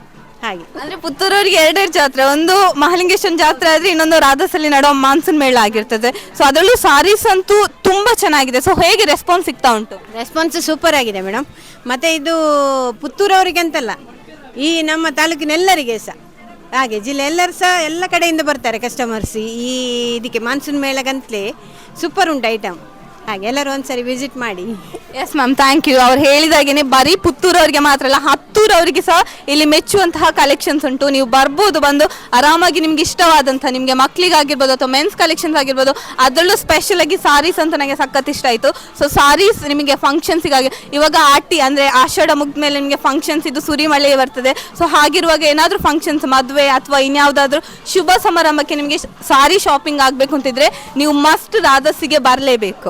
Speaker 10: ಹಾಗೆ.
Speaker 1: ಅಂದ್ರೆ ಪುತ್ತೂರವರಿಗೆ ಎರಡೆರಡು ಜಾತ್ರೆ, ಒಂದು ಮಹಾಲಿಂಗೇಶ್ವರ ಜಾತ್ರೆ ಆದ್ರೆ ಇನ್ನೊಂದು ರಾಧಾಸಲ್ಲಿ ನಡೆಯೋ ಮಾನ್ಸೂನ್ ಮೇಳ ಆಗಿರ್ತದೆ. ಸೊ ಅದರಲ್ಲೂ ಸಾರೀಸ್ ಅಂತೂ ತುಂಬಾ ಚೆನ್ನಾಗಿದೆ. ಸೊ ಹೇಗೆ ರೆಸ್ಪಾನ್ಸ್ ಸಿಗ್ತಾ ಉಂಟು?
Speaker 10: ರೆಸ್ಪಾನ್ಸ್ ಸೂಪರ್ ಆಗಿದೆ ಮೇಡಮ್. ಮತ್ತು ಇದು ಪುತ್ತೂರವರಿಗೆ ಅಂತಲ್ಲ, ಈ ನಮ್ಮ ತಾಲೂಕಿನೆಲ್ಲರಿಗೆ ಸಹ ಹಾಗೆ, ಜಿಲ್ಲೆ ಎಲ್ಲರೂ ಸಹ ಎಲ್ಲ ಕಡೆಯಿಂದ ಬರ್ತಾರೆ ಕಸ್ಟಮರ್ಸ್ ಈ ಇದಕ್ಕೆ ಮಾನ್ಸೂನ್ ಮೇಳಗಂತಲೇ. ಸೂಪರ್ ಉಂಟು ಐಟಮ್. ಹಾಗೆ ಎಲ್ಲರೂ ಒಂದ್ಸರಿ ವಿಸಿಟ್ ಮಾಡಿ.
Speaker 1: Yes ma'am, thank you. ಅವ್ರು ಹೇಳಿದಾಗೇನೆ ಬರೀ ಪುತ್ತೂರವರಿಗೆ ಮಾತ್ರ ಅಲ್ಲ, ಹತ್ತೂರವರಿಗೆ ಸಹ ಇಲ್ಲಿ ಮೆಚ್ಚುವಂತಹ ಕಲೆಕ್ಷನ್ಸ್ ಉಂಟು. ನೀವು ಬರ್ಬೋದು, ಬಂದು ಆರಾಮಾಗಿ ನಿಮ್ಗೆ ಇಷ್ಟವಾದಂಥ, ನಿಮಗೆ ಮಕ್ಕಳಿಗಾಗಿರ್ಬೋದು ಅಥವಾ ಮೆನ್ಸ್ ಕಲೆಕ್ಷನ್ಸ್ ಆಗಿರ್ಬೋದು. ಅದರಲ್ಲೂ ಸ್ಪೆಷಲ್ ಆಗಿ ಸಾರೀಸ್ ಅಂತ ನನಗೆ ಸಖತ್ ಇಷ್ಟ ಆಯಿತು. ಸೊ ಸಾರೀಸ್ ನಿಮಗೆ ಫಂಕ್ಷನ್ಸಿಗಾಗಿ, ಇವಾಗ ಆಟಿ ಅಂದರೆ ಆಷಾಢ ಮುಗಿದ ಮೇಲೆ ನಿಮಗೆ ಫಂಕ್ಷನ್ಸ್ ಇದು ಸುರಿಮಳೆ ಬರ್ತದೆ. ಸೊ ಹಾಗಿರುವಾಗ ಏನಾದರೂ ಫಂಕ್ಷನ್ಸ್, ಮದುವೆ ಅಥವಾ ಇನ್ಯಾವುದಾದ್ರೂ ಶುಭ ಸಮಾರಂಭಕ್ಕೆ ನಿಮಗೆ ಸಾರಿ ಶಾಪಿಂಗ್ ಆಗಬೇಕು ಅಂತಿದ್ರೆ ನೀವು ಮಸ್ಟ್ ರಾಧಸಿಗೆ ಬರಲೇಬೇಕು.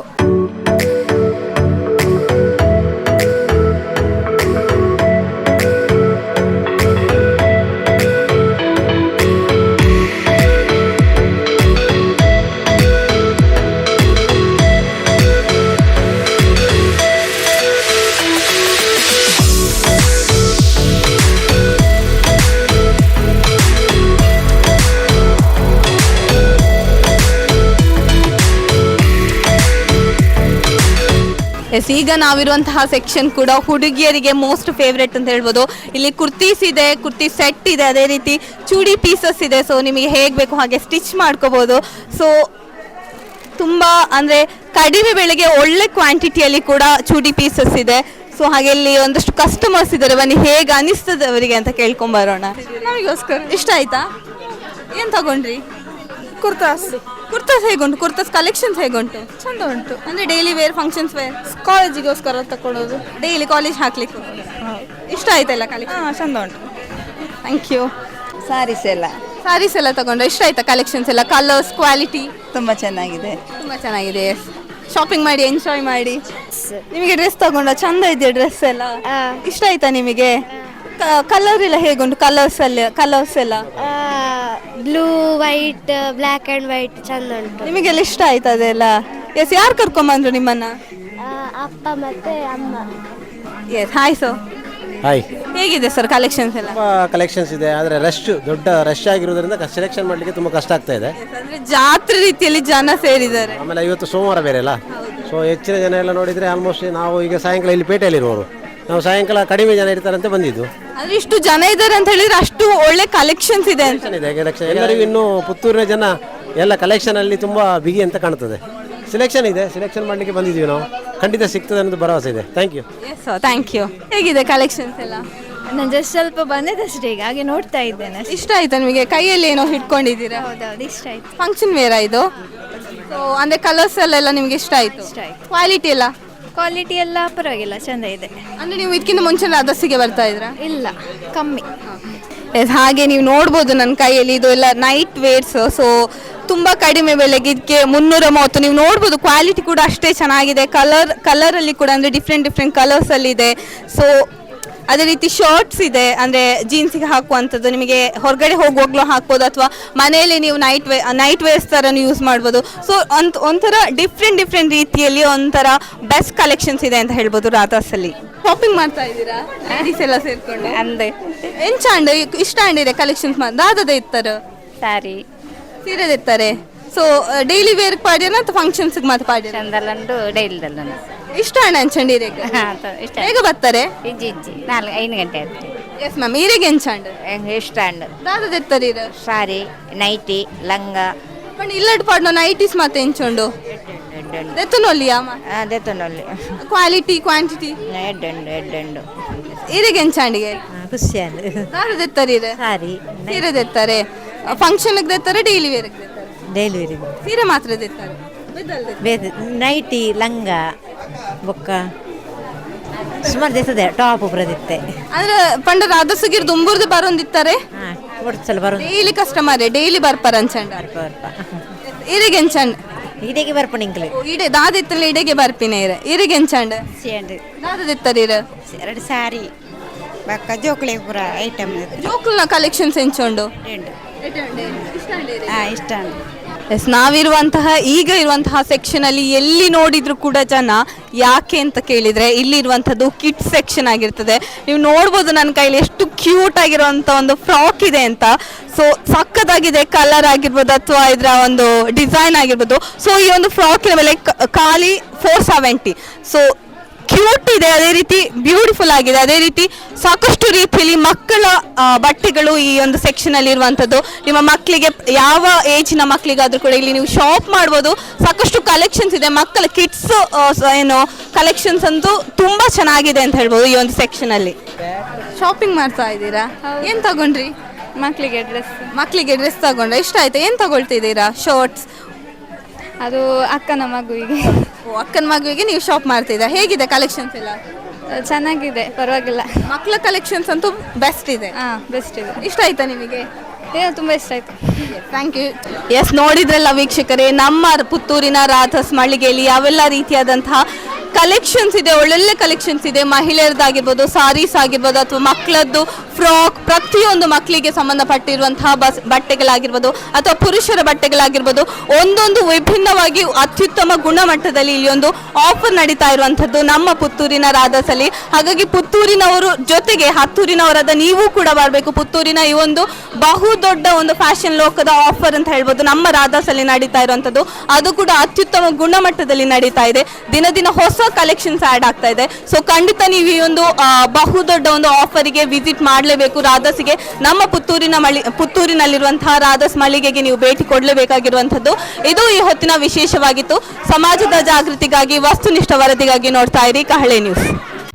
Speaker 1: ಎಸ್, ಈಗ ನಾವಿರುವಂತಹ ಸೆಕ್ಷನ್ ಕೂಡ ಹುಡುಗಿಯರಿಗೆ ಮೋಸ್ಟ್ ಫೇವ್ರೆಟ್ ಅಂತ ಹೇಳ್ಬೋದು. ಇಲ್ಲಿ ಕುರ್ತೀಸ್ ಇದೆ, ಕುರ್ತಿ ಸೆಟ್ ಇದೆ, ಅದೇ ರೀತಿ ಚೂಡಿ ಪೀಸಸ್ ಇದೆ. ಸೊ ನಿಮಗೆ ಹೇಗೆ ಬೇಕು ಹಾಗೆ ಸ್ಟಿಚ್ ಮಾಡ್ಕೋಬೋದು. ಸೊ ತುಂಬ ಅಂದರೆ ಕಡಿಮೆ ಬೆಲೆಗೆ ಒಳ್ಳೆ ಕ್ವಾಂಟಿಟಿಯಲ್ಲಿ ಕೂಡ ಚೂಡಿ ಪೀಸಸ್ ಇದೆ. ಸೊ ಹಾಗೆ ಇಲ್ಲಿ ಒಂದಷ್ಟು ಕಸ್ಟಮರ್ಸ್ ಇದ್ದಾರೆ. ಬನ್ನಿ ಹೇಗೆ ಅನಿಸ್ತದೆ ಅವರಿಗೆ ಅಂತ ಕೇಳ್ಕೊಂಬರೋಣ. ನಮಗೋಸ್ಕರ ಇಷ್ಟ ಆಯ್ತಾ? ಏನು ತಗೊಂಡ್ರಿ?
Speaker 2: ಕುರ್ತಾಸ್
Speaker 1: ಕುರ್ತಾಸ್ ಹೇಗುಂಟು? ಕುರ್ತಾಸ್ ಕಲೆಕ್ಷನ್ಸ್ ಹೇಗುಂಟು?
Speaker 2: ಚಂದ ಉಂಟು.
Speaker 1: ಅಂದರೆ ಡೈಲಿ ವೇರ್, ಫಂಕ್ಷನ್ಸ್ ವೇರ್,
Speaker 2: ಕಾಲೇಜಿಗೋಸ್ಕರ ತಗೊಳ್ಳೋದು.
Speaker 1: ಡೈಲಿ ಕಾಲೇಜ್ ಹಾಕ್ಲಿಕ್ಕೆ ಇಷ್ಟ ಆಯ್ತಲ್ಲ ಕಲೆಕ್ಷನ್?
Speaker 2: ಹಾಂ, ಚಂದ ಉಂಟು.
Speaker 1: Thank you.
Speaker 10: ಸಾರೀಸ್ ಎಲ್ಲ
Speaker 1: ಸಾರೀಸ್ ಎಲ್ಲ ತಗೊಂಡ್ರೆ ಇಷ್ಟ ಆಯ್ತಾ ಕಲೆಕ್ಷನ್ಸ್ ಎಲ್ಲ? ಕಲರ್ಸ್, ಕ್ವಾಲಿಟಿ
Speaker 10: ತುಂಬ ಚೆನ್ನಾಗಿದೆ.
Speaker 1: ತುಂಬ ಚೆನ್ನಾಗಿದೆ. ಶಾಪಿಂಗ್ ಮಾಡಿ, ಎಂಜಾಯ್ ಮಾಡಿ. ನಿಮಗೆ ಡ್ರೆಸ್ ತಗೊಂಡ ಚಂದ ಇದೆಯಾ ಡ್ರೆಸ್ ಎಲ್ಲ? ಇಷ್ಟ ಆಯ್ತಾ ನಿಮಗೆ? ಕಲರ್ ಎಲ್ಲ ಹೇಗುಂಟು? ಕಲರ್ಸ್ ಅಲ್ಲಿ ಕಲರ್ಸ್ ಎಲ್ಲ
Speaker 2: blue, white, black and white ಚಂದ ಉಂಟು.
Speaker 1: ನಿಮಗೆಲ್ಲ ಇಷ್ಟ ಆಯ್ತಾ ಅದೆಲ್ಲ? ಎಸ್, ಯಾರು ಕರ್ಕೊಂಬಂದ್ರು ನಿಮ್ಮನ್ನ?
Speaker 2: ಅಪ್ಪ ಮತ್ತೆ ಅಮ್ಮ.
Speaker 1: Yes, hi. So
Speaker 8: hi.
Speaker 1: ಹೇಗಿದೆ ಸರ್ ಕಲೆಕ್ಷನ್ಸ್ ಎಲ್ಲ?
Speaker 8: ತುಂಬ ಕಲೆಕ್ಷನ್ಸ್ ಇದೆ, ಆದರೆ ರಶ್ ದೊಡ್ಡ ರಶ್ ಆಗಿರೋದ್ರಿಂದ ಸೆಲೆಕ್ಷನ್ ಮಾಡಲಿಕ್ಕೆ ತುಂಬ ಕಷ್ಟ ಆಗ್ತಾ ಇದೆ.
Speaker 1: ಅಂದ್ರೆ ಜಾತ್ರೆ ರೀತಿಯಲ್ಲಿ ಜನ ಸೇರಿದ್ದಾರೆ.
Speaker 8: ಆಮೇಲೆ ಇವತ್ತು ಸೋಮವಾರ ಬೇರೆ ಅಲ್ಲ, ಸೊ ಹೆಚ್ಚಿನ ಜನ ಎಲ್ಲ ನೋಡಿದರೆ ಆಲ್ಮೋಸ್ಟ್ ನಾವು ಈಗ ಸಾಯಂಕಾಲ ಇಲ್ಲಿ ಪೇಟೆಯಲ್ಲಿರುವವರು, ನಾವು ಸಾಯಂಕಾಲ ಕಡಿಮೆ ಜನ ಇರ್ತಾರಂತೆ ಬಂದಿದ್ದು.
Speaker 1: ಅಂದ್ರೆ ಇಷ್ಟು ಜನ ಇದ್ದಾರೆ ಅಂತ ಹೇಳಿದ್ರೆ ಅಷ್ಟು ಒಳ್ಳೆ ಕಲೆಕ್ಷನ್ಸ್ ಇದೆ ಅಂತ.
Speaker 8: ಇದೆ ಕಲೆಕ್ಷನ್ ಎಲ್ಲರಿಗೂ ಇನ್ನೂ ಪುತ್ತೂರಿನ ಜನ ಎಲ್ಲ ಕಲೆಕ್ಷನಲ್ಲಿ ತುಂಬ ಬಿಗಿ ಅಂತ ಕಾಣ್ತದೆ. ಸೆಲೆಕ್ಷನ್ ಇದೆ, ಸೆಲೆಕ್ಷನ್ ಮಾಡಲಿಕ್ಕೆ ಬಂದಿದ್ದೀವಿ ನಾವು. ಖಂಡಿತ ಸಿಗ್ತದೆ ಅನ್ನೋದು ಭರವಸೆ ಇದೆ. Thank you.
Speaker 1: Yes, thank you. ಹೇಗಿದೆ ಕಲೆಕ್ಷನ್ಸ್ ಎಲ್ಲ?
Speaker 2: ನಾನು ಜಸ್ಟ್ ಸ್ವಲ್ಪ ಬಂದಿದ್ದಷ್ಟೇ, ಈಗ ಹಾಗೆ ನೋಡ್ತಾ ಇದ್ದೇನೆ.
Speaker 1: ಇಷ್ಟ ಆಯ್ತಾ ನಿಮಗೆ? ಕೈಯಲ್ಲಿ ಏನೋ ಹಿಡ್ಕೊಂಡಿದ್ದೀರಾ?
Speaker 2: ಹೌದೌದು, ಇಷ್ಟ ಆಯ್ತು.
Speaker 1: ಫಂಕ್ಷನ್ ವೇರಾ ಇದು? ಸೊ ಅಂದರೆ ಕಲರ್ಸ್ ಎಲ್ಲ ನಿಮಗೆ ಇಷ್ಟ ಆಯಿತು?
Speaker 2: ಇಷ್ಟ ಆಯ್ತು.
Speaker 1: ಕ್ವಾಲಿಟಿ ಎಲ್ಲ?
Speaker 2: ಕ್ವಾಲಿಟಿ ಎಲ್ಲ ಪರವಾಗಿಲ್ಲ, ಚಂದ ಇದೆ.
Speaker 1: ಅಂದರೆ ನೀವು ಇದಕ್ಕಿಂತ ಮುಂಚೆ ರಾಧಸಿಗೆ ಬರ್ತಾ ಇದ್ರಾ?
Speaker 2: ಇಲ್ಲ, ಕಮ್ಮಿ.
Speaker 1: ಎಸ್, ಹಾಗೆ ನೀವು ನೋಡ್ಬೋದು ನನ್ನ ಕೈಯಲ್ಲಿ ಇದು ಎಲ್ಲ ನೈಟ್ ವೇರ್ಸ್. ಸೊ ತುಂಬ ಕಡಿಮೆ ಬೆಲೆಗೆ ಇದಕ್ಕೆ ಮುನ್ನೂರ ಮೂವತ್ತು. ನೀವು ನೋಡ್ಬೋದು ಕ್ವಾಲಿಟಿ ಕೂಡ ಅಷ್ಟೇ ಚೆನ್ನಾಗಿದೆ. ಕಲರ್ ಕಲರಲ್ಲಿ ಕೂಡ ಅಂದರೆ ಡಿಫ್ರೆಂಟ್ ಡಿಫ್ರೆಂಟ್ ಕಲರ್ಸಲ್ಲಿ ಇದೆ. ಸೊ ಅದೇ ರೀತಿ ಶಾರ್ಟ್ಸ್ ಇದೆ, ಅಂದರೆ ಜೀನ್ಸಿಗೆ ಹಾಕುವಂಥದ್ದು, ನಿಮಗೆ ಹೊರಗಡೆ ಹೋಗುವಾಗಲೂ ಹಾಕ್ಬೋದು ಅಥವಾ ಮನೆಯಲ್ಲಿ ನೀವು ನೈಟ್ ವೇ ನೈಟ್ ವೇರ್ಸ್ ಥರ ಯೂಸ್ ಮಾಡ್ಬೋದು. ಸೊ ಒಂದು ಒಂಥರ ಡಿಫ್ರೆಂಟ್ ಡಿಫ್ರೆಂಟ್ ರೀತಿಯಲ್ಲಿ ಒಂಥರ ಬೆಸ್ಟ್ ಕಲೆಕ್ಷನ್ಸ್ ಇದೆ ಅಂತ ಹೇಳ್ಬೋದು ರಾಧಾಸಲ್ಲಿ. ಶಾಪಿಂಗ್ ಮಾಡ್ತಾ ಇದ್ದೀರಾ ಲೇಡೀಸ್ ಎಲ್ಲ ಸೇರ್ಕೊಂಡು?
Speaker 10: ಅಂದೆ
Speaker 1: ಎಂಚಾಂಡ್ ಇಷ್ಟ ಅಂಡಿದೆ ಕಲೆಕ್ಷನ್ಸ್ ಮಾಡಿ ದಾದದ ಇರ್ತಾರೆ,
Speaker 10: ಸಾರಿ
Speaker 1: ಸೀರೆದ ಇರ್ತಾರೆ. ಸೊ ಡೈಲಿ ವೇರ್ ಪಾಡ್ಯನ ಅಥವಾ ಫಂಕ್ಷನ್ಸ್ಗೆ ಮಾತ್ರ ಪಾಡ್ಯ?
Speaker 10: ಚಂದಲ್ಲಂದು ಡೈಲ್ದಲ್ಲ
Speaker 1: ಇಷ್ಟ ಅಣ್ಣ ಅಂಚಂಡ್ ಈರೆಗೆ
Speaker 10: ಇಷ್ಟ
Speaker 1: ಹೇಗೆ ಬರ್ತಾರೆ?
Speaker 10: ಇಜ್ಜಿ ಇಜ್ಜಿ ನಾಲ್ಕು ಐದು ಗಂಟೆ ಆಯ್ತು.
Speaker 1: ಎಸ್ ಮ್ಯಾಮ್, ಈರೆಗೆ ಎಂಚಾಂಡ್
Speaker 10: ಇಷ್ಟ ಅಂಡ್
Speaker 1: ದಾದದ ಇರ್ತಾರೆ ಇರ
Speaker 10: ಸಾರಿ, ನೈಟಿ, ಲಂಗ
Speaker 1: ಬಟ್ ಇಲ್ಲಟ್ ಪಾಡ್ನ ನೈಟೀಸ್ ಮತ್ತೆ ಎಂಚುಂಡು ದೆತ್ತನೊಲ್ಲಿಯಾ
Speaker 10: ದೆತ್ತನೊಲ್ಲಿ
Speaker 1: ಕ್ವಾಲಿಟಿ ಕ್ವಾಂಟಿಟಿ
Speaker 10: ಎಡ್ಡುಂಡು ಎಡ್ಡುಂಡು
Speaker 1: ಈರೆಗೆ ಎಂಚಾಂಡಿಗೆ
Speaker 10: ಖುಷಿಯಲ್ಲ
Speaker 1: ದಾದದ ಇರ್ತಾರೆ ಇರ
Speaker 10: ಸಾರಿ
Speaker 1: ಸೀರೆ ದೆತ್ತಾರೆ, ಫಂಕ್ಷನ್ಗೆ ದೆತ್ತಾರೆ, ಡೈಲಿ ವೇರ್ಗೆ ದೆತ್ತಾರೆ.
Speaker 10: ಡೈಲಿ ವೇರಿಗೆ
Speaker 1: ಸೀರೆ ಮಾತ್ರ ದೆತ್ತಾರೆ,
Speaker 10: ಬೇರೆ ನೈಟಿ, ಲಂಗ ಬೊಕ್ಕ ಸುಮಾರು ದಿವಸದೆ ಟಾಪ್ ಬರದಿತ್ತೆ.
Speaker 1: ಅಂದ್ರೆ ಪಂಡ ರಾಧಸುಗಿರ್ ದುಂಬುರ್ದು ಬರೋಂದಿತ್ತಾರೆ
Speaker 10: ಹಾಂ ಒಡ್ಸಲ ಬರೋ
Speaker 1: ಡೈಲಿ ಕಸ್ಟಮರ್ ಡೈಲಿ ಬರ್ಪಾರ ಅಂಚಂಡ ಈರೆಗೆ ಎಂಚಂಡ್
Speaker 10: ಇಡೆಗೆ ಬರ್ಪಣಿಂಕ್ಲೆ
Speaker 1: ಇಡೆ ದಾದಿತ್ತಲ್ಲ ಇಡೆಗೆ ಬರ್ಪಿನ ಇರ ಈರೆಗೆ ಎಂಚಂಡ್
Speaker 10: ಸೇಂಡ್
Speaker 1: ದಾದದಿತ್ತಾರೆ ಇರ
Speaker 10: ಎರಡು ಸಾರಿ ಬಕ್ಕ ಜೋಕುಳಿ ಪೂರ ಐಟಮ್
Speaker 1: ಜೋಕುಲ್ನ ಕಲೆಕ್ಷನ್ಸ್ ಎಂಚುಂಡು
Speaker 10: ಹಾಂ ಇಷ್ಟ
Speaker 1: ಎಸ್ ನಾವಿರುವಂತಹ ಈಗ ಇರುವಂತಹ ಸೆಕ್ಷನ್ ಅಲ್ಲಿ ಎಲ್ಲಿ ನೋಡಿದ್ರು ಕೂಡ ಜನ ಯಾಕೆ ಅಂತ ಕೇಳಿದ್ರೆ ಇಲ್ಲಿರುವಂಥದ್ದು ಕಿಡ್ಸ್ ಸೆಕ್ಷನ್ ಆಗಿರ್ತದೆ. ನೀವು ನೋಡ್ಬೋದು ನನ್ನ ಕೈಲಿ ಎಷ್ಟು ಕ್ಯೂಟ್ ಆಗಿರುವಂಥ ಒಂದು ಫ್ರಾಕ್ ಇದೆ ಅಂತ. ಸೊ ಸಕ್ಕತ್ತಾಗಿದೆ, ಕಲರ್ ಆಗಿರ್ಬೋದು ಅಥವಾ ಇದರ ಒಂದು ಡಿಸೈನ್ ಆಗಿರ್ಬೋದು. ಸೊ ಈ ಒಂದು ಫ್ರಾಕಿನ ಮೇಲೆ ಖಾಲಿ ಫೋರ್ ಸೆವೆಂಟಿ. ಸೊ ಕ್ಯೂಟ್ ಇದೆ, ಅದೇ ರೀತಿ ಬ್ಯೂಟಿಫುಲ್ ಆಗಿದೆ, ಅದೇ ರೀತಿ ಸಾಕಷ್ಟು ರೀತಿಯಲ್ಲಿ ಮಕ್ಕಳ ಬಟ್ಟೆಗಳು ಈ ಒಂದು ಸೆಕ್ಷನ್ ಅಲ್ಲಿ ಇರುವಂಥದ್ದು. ನಿಮ್ಮ ಮಕ್ಕಳಿಗೆ ಯಾವ ಏಜಿನ ಮಕ್ಕಳಿಗಾದ್ರೂ ಕೂಡ ಇಲ್ಲಿ ನೀವು ಶಾಪ್ ಮಾಡ್ಬೋದು. ಸಾಕಷ್ಟು ಕಲೆಕ್ಷನ್ಸ್ ಇದೆ, ಮಕ್ಕಳ ಕಿಡ್ಸ್ ಏನು ಕಲೆಕ್ಷನ್ಸ್ ಅಂತೂ ತುಂಬಾ ಚೆನ್ನಾಗಿದೆ ಅಂತ ಹೇಳ್ಬೋದು. ಈ ಒಂದು ಸೆಕ್ಷನ್ ಅಲ್ಲಿ ಶಾಪಿಂಗ್ ಮಾಡ್ತಾ ಇದ್ದೀರಾ? ಏನ್ ತಗೊಂಡ್ರಿ?
Speaker 2: ಮಕ್ಕಳಿಗೆ ಡ್ರೆಸ್,
Speaker 1: ಮಕ್ಕಳಿಗೆ ಡ್ರೆಸ್ ತಗೊಂಡ್ರೆ ಇಷ್ಟ ಆಯ್ತಾ? ಏನ್ ತಗೊಳ್ತಿದ್ದೀರಾ? ಶರ್ಟ್ಸ್?
Speaker 2: ಅದು ಅಕ್ಕನ ಮಗುವಿಗೆ.
Speaker 1: ಅಕ್ಕನ ಮಗುವಿಗೆ ನೀವು ಶಾಪ್ ಮಾಡ್ತಿದ್ದೀರಾ? ಹೇಗಿದೆ ಕಲೆಕ್ಷನ್ಸ್ ಎಲ್ಲ?
Speaker 2: ಚೆನ್ನಾಗಿದೆ, ಪರವಾಗಿಲ್ಲ.
Speaker 1: ಮಕ್ಕಳ ಕಲೆಕ್ಷನ್ಸ್ ಅಂತೂ ಬೆಸ್ಟ್ ಇದೆ.
Speaker 2: ಹಾಂ, ಬೆಸ್ಟ್ ಇದೆ.
Speaker 1: ಇಷ್ಟ ಆಯ್ತಾ ನಿಮಗೆ?
Speaker 2: ಏನೋ ತುಂಬ ಇಷ್ಟ ಆಯಿತು.
Speaker 1: Thank you. ಎಸ್, ನೋಡಿದ್ರಲ್ಲ ವೀಕ್ಷಕರೇ, ನಮ್ಮ ಪುತ್ತೂರಿನ ರಾಧಸ್ ಮಳಿಗೆಯಲ್ಲಿ ಯಾವೆಲ್ಲ ರೀತಿಯಾದಂತಹ ಕಲೆಕ್ಷನ್ಸ್ ಇದೆ, ಒಳ್ಳೊಳ್ಳೆ ಕಲೆಕ್ಷನ್ಸ್ ಇದೆ. ಮಹಿಳೆಯರದ್ದಾಗಿರ್ಬೋದು, ಸಾರೀಸ್ ಆಗಿರ್ಬೋದು ಅಥವಾ ಮಕ್ಕಳದ್ದು ಫ್ರಾಕ್, ಪ್ರತಿಯೊಂದು ಮಕ್ಕಳಿಗೆ ಸಂಬಂಧಪಟ್ಟಿರುವಂತಹ ಬಸ್ ಬಟ್ಟೆಗಳಾಗಿರ್ಬೋದು ಅಥವಾ ಪುರುಷರ ಬಟ್ಟೆಗಳಾಗಿರ್ಬೋದು, ಒಂದೊಂದು ವಿಭಿನ್ನವಾಗಿ ಅತ್ಯುತ್ತಮ ಗುಣಮಟ್ಟದಲ್ಲಿ ಇಲ್ಲಿ ಒಂದು ಆಫರ್ ನಡೀತಾ ಇರುವಂಥದ್ದು ನಮ್ಮ ಪುತ್ತೂರಿನ ರಾಧಸಲ್ಲಿ. ಹಾಗಾಗಿ ಪುತ್ತೂರಿನವರು ಜೊತೆಗೆ ಹತ್ತೂರಿನವರಾದ ನೀವು ಕೂಡ ಬರಬೇಕು. ಪುತ್ತೂರಿನ ಈ ಒಂದು ಬಹು ದೊಡ್ಡ ಒಂದು ಫ್ಯಾಷನ್ ಲೋಕದ ಆಫರ್ ಅಂತ ಹೇಳ್ಬೋದು ನಮ್ಮ ರಾಧಸಲ್ಲಿ ನಡೀತಾ ಇರುವಂಥದ್ದು. ಅದು ಕೂಡ ಅತ್ಯುತ್ತಮ ಗುಣಮಟ್ಟದಲ್ಲಿ ನಡೀತಾ ಇದೆ. ದಿನ ದಿನ ಹೊಸ ಕಲೆಕ್ಷನ್ಸ್ ಆ್ಯಡ್ ಆಗ್ತಾ ಇದೆ. ಸೊ ಖಂಡಿತ ನೀವು ಈ ಒಂದು ಬಹು ದೊಡ್ಡ ಒಂದು ಆಫರಿಗೆ ವಿಸಿಟ್ ಮಾಡಲೇಬೇಕು ರಾಧಸ್ಗೆ. ನಮ್ಮ ಪುತ್ತೂರಿನ ಮಳಿ ಪುತ್ತೂರಿನಲ್ಲಿರುವಂತಹ ರಾಧಸ್ ಮಳಿಗೆಗೆ ನೀವು ಭೇಟಿ ಕೊಡಲೇಬೇಕಾಗಿರುವಂಥದ್ದು. ಇದು ಈ ಹೊತ್ತಿನ ವಿಶೇಷವಾಗಿತ್ತು. ಸಮಾಜದ ಜಾಗೃತಿಗಾಗಿ, ವಸ್ತುನಿಷ್ಠ ವರದಿಗಾಗಿ ನೋಡ್ತಾ ಇರಿ ಕಹಳೆ ನ್ಯೂಸ್.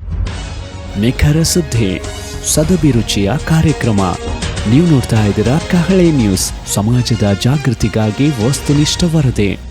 Speaker 11: ನಿಖರ ಸುದ್ದಿ, ಸದಭಿರುಚಿಯ ಕಾರ್ಯಕ್ರಮ. ನೀವು ನೋಡ್ತಾ ಇದ್ದೀರಾ ಕಹಳೆ ನ್ಯೂಸ್, ಸಮಾಜದ ಜಾಗೃತಿಗಾಗಿ ವಸ್ತುನಿಷ್ಠ ವರದಿ.